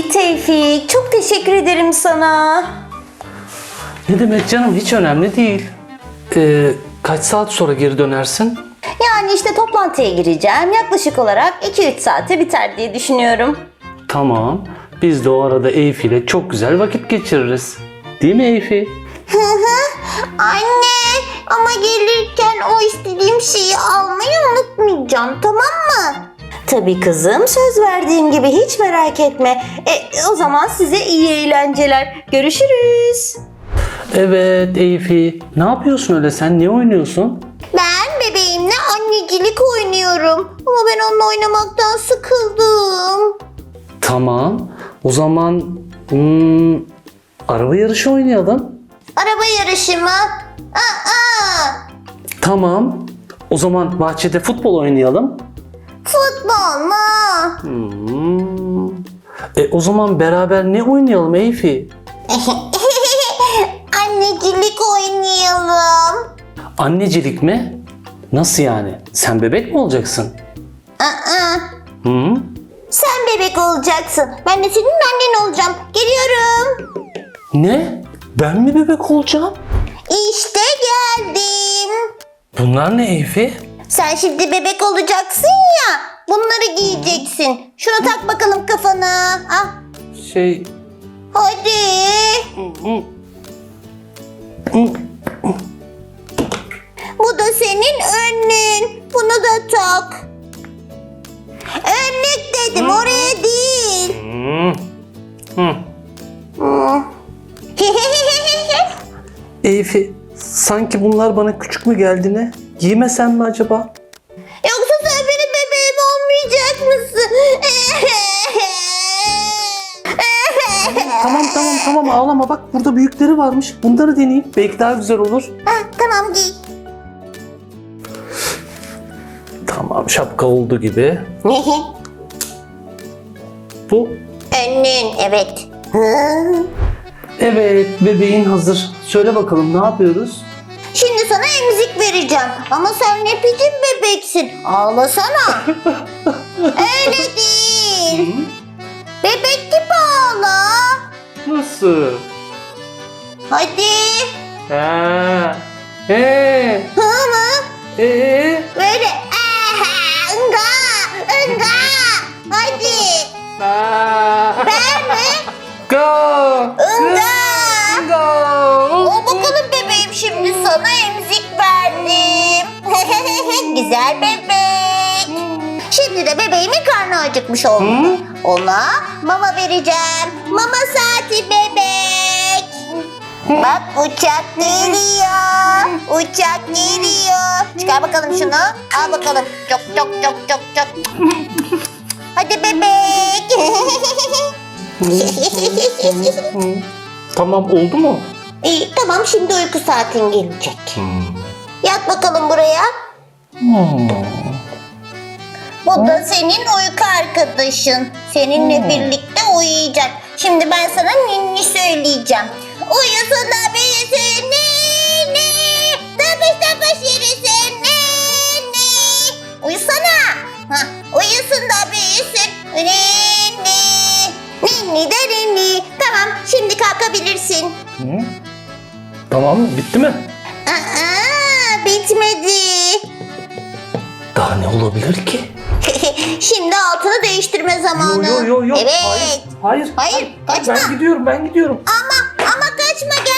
Ay Tevfik, çok teşekkür ederim sana. Ne demek canım, hiç önemli değil. Kaç saat sonra geri dönersin? Yani işte toplantıya gireceğim. Yaklaşık olarak 2-3 saate biter diye düşünüyorum. Tamam. Biz de o arada Eyfi ile çok güzel vakit geçiririz. Değil mi Eyfi? Anne, ama gelirken o istediğim şeyi almayı unutmayacağım, tamam mı? Tabii kızım, söz verdiğim gibi, hiç merak etme. O zaman size iyi eğlenceler. Görüşürüz. Evet Eyfi. Ne yapıyorsun öyle sen? Ne oynuyorsun? Ben bebeğimle annecilik oynuyorum. Ama ben onunla oynamaktan sıkıldım. Tamam. O zaman araba yarışı oynayalım. Araba yarışı mı? Aa, Tamam. O zaman bahçede futbol oynayalım. futbol mu? O zaman beraber ne oynayalım Eyfi? Annecilik oynayalım. Annecilik mi? Nasıl yani? Sen bebek mi olacaksın? Aa, Hı? sen bebek olacaksın. Ben de senin annen olacağım. Geliyorum. Ne? Ben mi bebek olacağım? İşte geldim. Bunlar ne Eyfi? Sen şimdi bebek olacaksın ya. Bunları giyeceksin. Şunu tak bakalım kafana. Ah, hadi. Bu da senin önlüğün. Bunu da tak. Önlük dedim, oraya değil. Eyfi, sanki bunlar bana küçük mü geldi ne? Giymesem mi acaba? Yoksa sen benim bebeğim olmayacak mısın? Tamam ağlama, bak burada büyükleri varmış. Bunları deneyeyim, belki daha güzel olur. Tamam, giy. Tamam, şapka oldu gibi. Bu. Önlüğün, evet. Evet, bebeğin hazır. Söyle bakalım, ne yapıyoruz? Şimdi sana emzik vereceğim. Ama sen ne biçim bebeksin? Ağlasana. Öyle değil. Bebek gibi ağla. Nasıl? Hadi. Hı mı? Böyle. Enga. Enga. Hadi. Ben mi? Go! Enga. O bakalım bebeğim, şimdi sana emzik verdim. Güzel bebek. Şimdi de bebeğimin karnı acıkmış oldu. Ona mama vereceğim. Mama saati bebek. Bak, uçak geliyor. Uçak geliyor. Çıkar bakalım şunu. Al bakalım. Çok çok çok çok çok. Hadi bebek. Tamam, oldu mu? İyi, tamam, şimdi uyku saatin gelecek. Yat bakalım buraya. Bu da senin uyku arkadaşın. Seninle birlikte uyuyacak. Şimdi ben sana ninni söyleyeceğim. Uyusun da büyüsün ninni. Tapış tapış yürüsün ninni. Uyusana. Uyusun da büyüsün ninni. Ninni de ninni. Tamam, şimdi kalkabilirsin. Tamam, bitti mi? Bitmedi. Daha ne olabilir ki? Şimdi altını değiştirme zamanı. Yo. Evet. Hayır. Hayır, kaçma. Ben gidiyorum. Ama kaçma, gel